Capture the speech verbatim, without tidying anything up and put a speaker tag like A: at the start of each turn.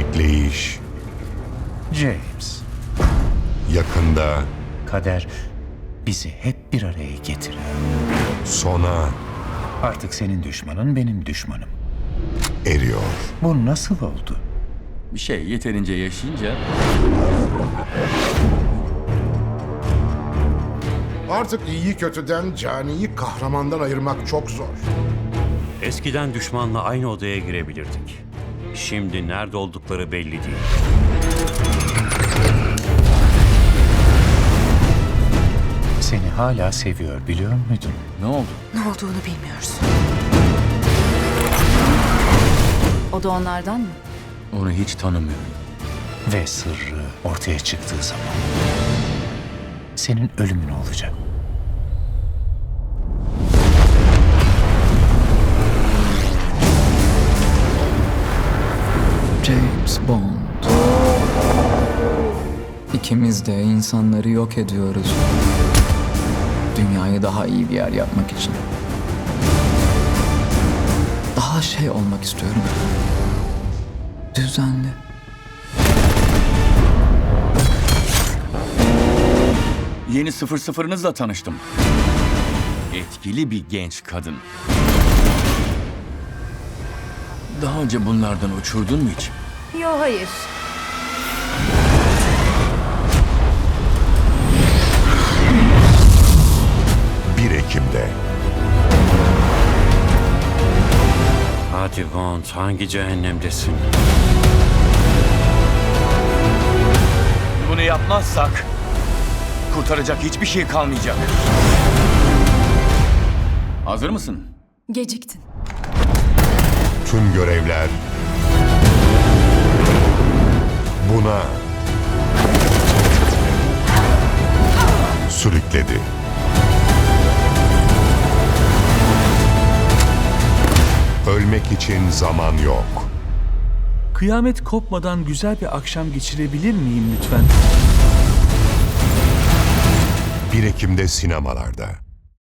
A: Bekleyiş.
B: James,
A: Yakında
B: kader bizi hep bir araya getiriyor.
A: sona
B: Artık senin düşmanın benim düşmanım.
A: eriyor.
B: Bu nasıl oldu?
C: Bir şey yeterince yaşayınca
D: Artık iyiyi kötüden, caniyi kahramandan ayırmak çok zor.
E: Eskiden düşmanla aynı odaya girebilirdik. Şimdi nerede oldukları belli değil.
B: Seni hala seviyor biliyor muydun?
C: ne oldu?
F: Ne olduğunu bilmiyoruz. O da onlardan mı?
C: Onu hiç tanımıyorum.
B: Ve sırrı ortaya çıktığı zaman senin ölümün olacak.
G: James Bond. İkimiz de insanları yok ediyoruz. Dünyayı daha iyi bir yer yapmak için. Daha şey olmak istiyorum. Düzenli.
C: Yeni sıfır sıfırınızla tanıştım. Etkili bir genç kadın. Daha önce bunlardan uçurdun mu hiç?
F: Yo, hayır.
A: bir Ekim'de
E: Hadi Bond, hangi cehennemdesin?
C: Bunu yapmazsak kurtaracak hiçbir şey kalmayacak. Hazır mısın?
F: Geciktin.
A: tüm görevler buna sürükledi. Ölmek için zaman yok.
H: Kıyamet kopmadan güzel bir akşam geçirebilir miyim lütfen?
A: bir Ekim'de sinemalarda.